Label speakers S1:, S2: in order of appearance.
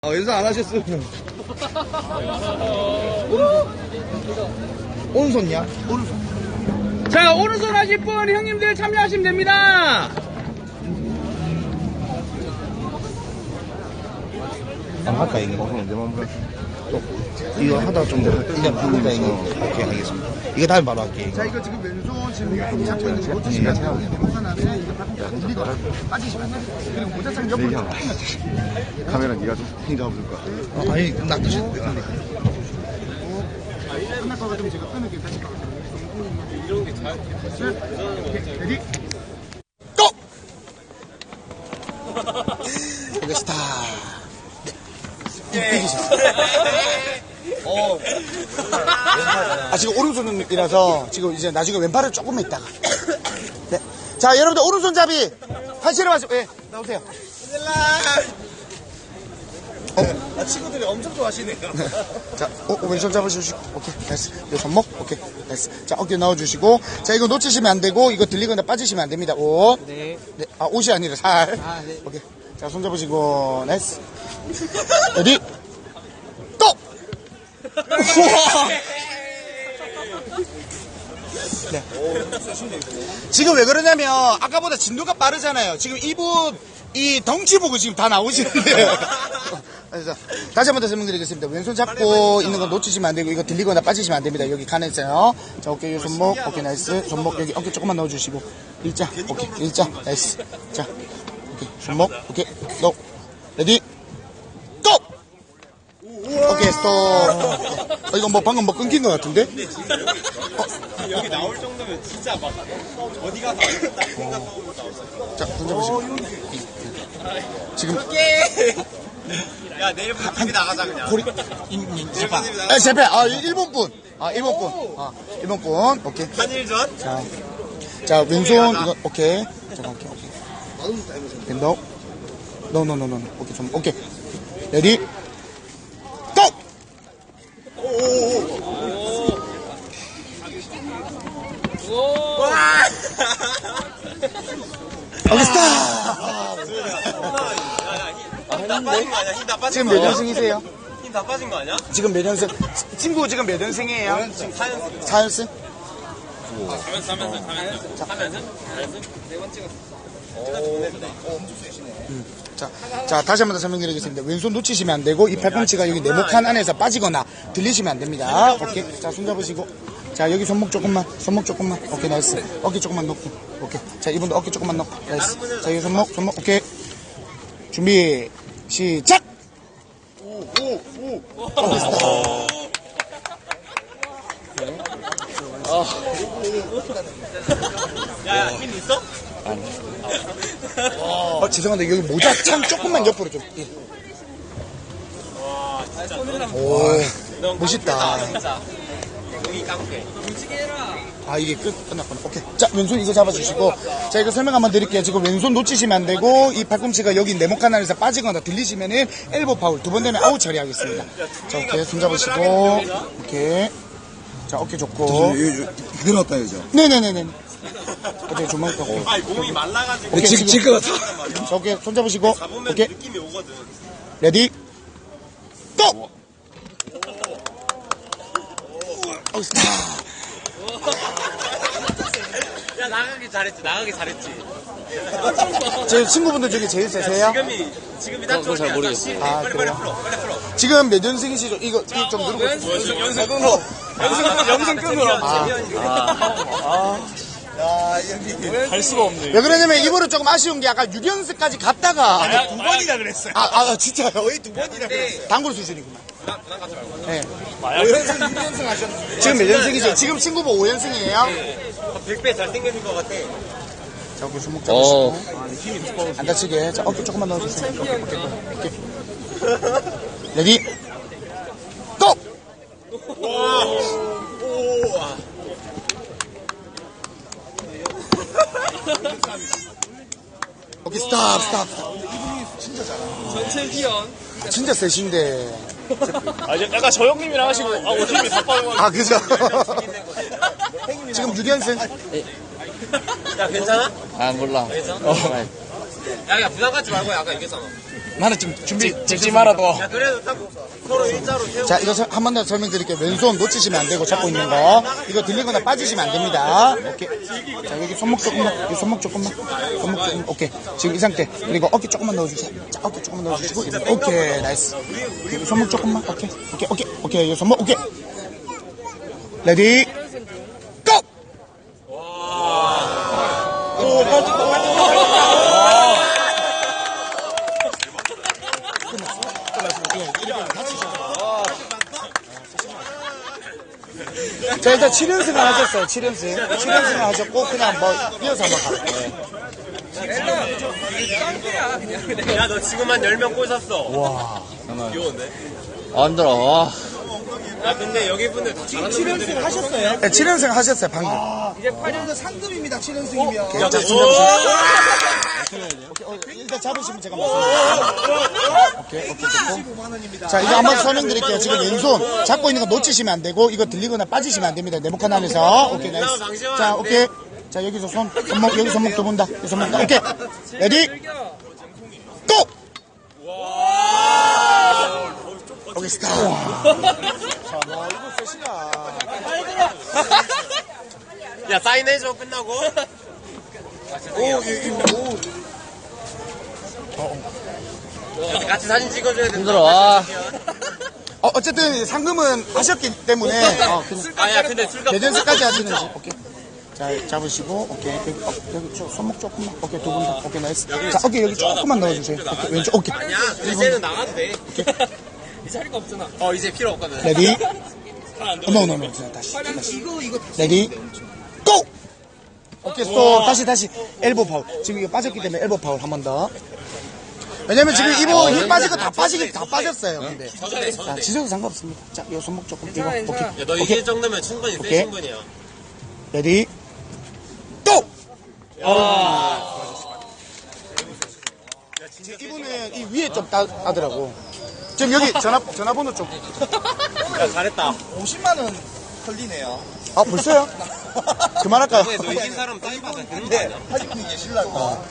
S1: 연습 안 하셨어요? 오른손이야? 오른손.
S2: 자, 오른손 하실 분 형님들 참여하시면 됩니다.
S1: 안 할까 이거? 이거 하다가 좀 이제 바꾸자 이거. 오케이 알겠습니다. 이거 다음에 바로 할게.
S3: 자, 이거 지금 왼손 지금 잡고 있는 거 놓치시면 돼요. 하나는 이거 돌리거나 빠지시면 돼요. 그리고 모자창 옆으로 조금만
S4: 카메라 네가 좀 잡아줄 거야.
S1: 아니 낚으셨는데.
S3: 끝날 거 같으면 제가 끊을게 다시 이런 게 잘. 레디.
S1: 고! 이거 스타. 지금 오른손이라서 지금 이제 나중에 왼팔을 조금만 있다가. 네. 자, 여러분들 오른손잡이 한시로 마시고, 예, 나오세요.
S3: 친구들이 엄청 좋아하시네요.
S1: 자, 왼손 잡아주시고, 오케이, 됐어. 요 손목, 오케이, 됐어. 자, 어깨 넣어주시고, 자, 이거 놓치시면 안 되고, 이거 들리거나 빠지시면 안 됩니다. 옷. 네. 네. 아, 옷이 아니라 살. 아, 네. 오케이. 자, 손 잡으시고, 나이스. 레디, 고! 우와! 네. 지금 왜 그러냐면, 아까보다 진도가 빠르잖아요. 지금 이분, 이 덩치 보고 지금 다 나오시는데. 그래서 다시 한 번 더 설명드리겠습니다. 왼손 잡고 있는 거 놓치시면 안 되고, 이거 들리거나 빠지시면 안 됩니다. 여기 칸에 있어요. 자, 어깨, 손목, 오케이, 나이스. 손목, 여기 어깨 조금만 넣어주시고. 일자, 오케이, 일자, 나이스. 자, 오케이, 손목, 오케이, 고! 레디, 고! 오케이, 스톱. 이거 뭐 방금 뭐 끊긴 것 같은데?
S3: 여기 나올 정도면 진짜 막 어디 가서 안 된다 생각하고 나왔어요.
S1: 자, 손 잡으시고. 지금.
S3: 야, 내일부터 TV 나가자 그냥.
S1: 고리, 아, 제패. 아, 일본 분. 아, 일본 분. 아, 일본 분. 오케이.
S3: 한일전?
S1: 자, 왼손, 이거, 오케이. 잠깐, 오케이. 밴더. 노. 오케이, 좀, 오케이. 레디. 고! 오케이, 스탑!
S3: 힘 다 빠진 거 아니야? 힘 다 빠진
S1: 지금
S3: 거
S1: 몇 년생이세요?
S3: 힘 다 빠진 거 아니야?
S1: 지금 몇 년생? 친구 지금 몇 년생이에요? 4연승?
S3: 3연승?
S1: 자, 다시 한 번 더 설명드리겠습니다. 왼손 놓치시면 안 되고, 이 팔꿈치가 여기 네모칸 안에서 빠지거나 들리시면 안 됩니다. 오케이. 자, 손 잡으시고. 자, 여기 손목 조금만. 오케이, 나이스. 어깨 조금만 놓고. 오케이. 자, 이분도 어깨 조금만 놓고. 나이스. 자, 여기 손목. 오케이. 준비, 시작!
S3: 야, 힘 있어?
S1: 죄송한데, 여기 모자 창 조금만 옆으로 좀. 예.
S3: 와, 진짜.
S1: 오, 멋있다.
S3: 여기 깡패.
S1: 아, 이게 끝났구나. 오케이. 자, 왼손 이거 잡아주시고. 자, 이거 설명 한번 드릴게요. 지금 왼손 놓치시면 안 되고, 이 팔꿈치가 여기 네모칸 안에서 빠지거나 들리시면은 엘보 파울. 2번 되면 아웃 처리하겠습니다. 자, 오케이. 손 잡으시고. 오케이. 자, 어깨 좋고.
S4: 그대로 왔다 해야죠.
S1: 네네네네. 오케이, 조만 오케이.
S3: 아니, 몸이 말라가지고.
S1: 오케이,
S4: 질 것 같아.
S1: 자, 오케이. 손 잡으시고.
S3: 잡으면
S1: 오케이.
S3: 느낌이 오거든.
S1: 레디. 고! 오, 스타.
S3: 야, 나가기 잘했지.
S1: 제 친구분들 중에 제일 세세요?
S3: 지금이 딱 좋을 잘 모르겠어.
S1: 아,
S3: 빨리
S1: 그래요?
S3: 풀어.
S1: 지금 몇 년생이시죠? 이거 좀 누르고.
S3: 영상 끊으라.
S4: 갈 수가 없네.
S1: 왜 그러냐면 이번에 조금 아쉬운 게 아까 6연승까지 갔다가.
S3: 두 번이나 그랬어요.
S1: 진짜요?
S3: 거의 두 번이나 그랬어요.
S1: 단골 수준이구나.
S3: 난 가지 말고.
S1: 네.
S3: 5연승, 6연승 하셨는데.
S1: 지금 몇 연승이죠? 지금 친구분 5연승이에요?
S3: 100배 잘생겨진 것 같아.
S1: 자, 어깨 손목 잡으시고. 안 다치게. 자, 어깨 조금만 넣어주세요. 오케이. 레디. 고! 오케이, 스탑.
S2: 전체 기원.
S1: 진짜 세신데.
S2: 약간 저 형님이랑 하시고, 옷 힘이 다 빠져가지고.
S1: 아, 그죠? 지금 6연승?
S3: 야, 괜찮아?
S5: 아 몰라.
S2: 야, 부담 갖지 말고 약간 이겼잖아.
S1: 나는 지금 준비.
S2: 찍지 말아도. 그래도 딱 서로 일자로 세우고.
S1: 자, 이거 한 번 더 설명드릴게요. 왼손 놓치시면 안 되고 잡고 있는 거. 이거 들리거나 빠지시면 안 됩니다. 오케이. 자, 여기 손목 조금만. 여기 손목 조금만. 손목 조금. 오케이. 지금 이 상태. 그리고 어깨 조금만 넣어주세요. 자, 어깨 조금만 넣어주시고. 오케이. 나이스. 여기 손목 조금만. 오케이. 오케이. 오케이. 오케이. 여기 손목. 오케이. 레디. 고! 오, 빠지고. 자, 일단 7연승을 하셨어요. 7연승을 하셨고, 그냥 뭐, 이어서 한번 갈게요.
S2: 야, 너 지금 한 10명 꼬셨어.
S1: 와.
S2: 귀여운데?
S4: 안 들어.
S2: 야, 근데 여기 분들 다 잘하는 분들이
S3: 하셨어요?
S1: 네, 7연승 하셨어요, 방금.
S3: 이제 8년도 상금입니다. 7연승이면.
S1: 오케이, 자, 일단 잡으시면 제가 말씀드릴게요. 오케이, 됐고.
S3: 15만 원입니다.
S1: 자, 이거 한번 설명드릴게요. 지금 왼손 잡고 있는 거 놓치시면 안 되고, 이거 들리거나 빠지시면 안 됩니다. 네모칸 안에서. 오케이, 나이스. 자, 오케이. 자, 여기서 손목, 여기 손목 두 번 다. 여기 손목 다. 오케이. 레디. 고! 오케이, 스타. 자, 와, 이거 셋이야.
S2: 야, 사인해줘, 끝나고. 같이 사진 찍어줘야 된다.
S4: 힘들어.
S1: 어쨌든 상금은 하셨기 때문에. 그냥
S2: 아, 야, 근데 술값.
S1: 대전세까지 하시는지. 오케이. 자, 잡으시고, 오케이. 여기 손목 조금만. 오케이, 두 분 다. 오케이, 나이스. 자, 오케이, 여기 조금만 넣어주세요. 오케이, 왼쪽, 오케이.
S2: 아니야, 이제는 나가도 돼. 이 자리가 없잖아. 이제 필요 없거든.
S1: 레디. 노. 다시. 레디. 고! 오케이, 또, 다시. 엘보 파울. 지금 이거 빠졌기 때문에 엘보 파울 한 번 더. 왜냐면 지금 이거 힘 빠진 거 다 빠졌어요. 근데. 자, 지져도 상관없습니다. 자, 이 손목 조금. 이거. 오케이.
S2: 야, 너 이길 정도면 충분히 센
S1: 오케이.
S2: 신분이야.
S1: 레디. 고! 이분은 이 위에 좀 따더라고. 지금 여기 전화번호 좀.
S2: 야, 잘했다.
S3: 50만 원 털리네요.
S1: 아, 벌써요? 그만할까요?
S2: 너 이긴 사람 사인 받아 되는 거
S3: 네.
S2: 아니야?
S3: 하시고 계시려고.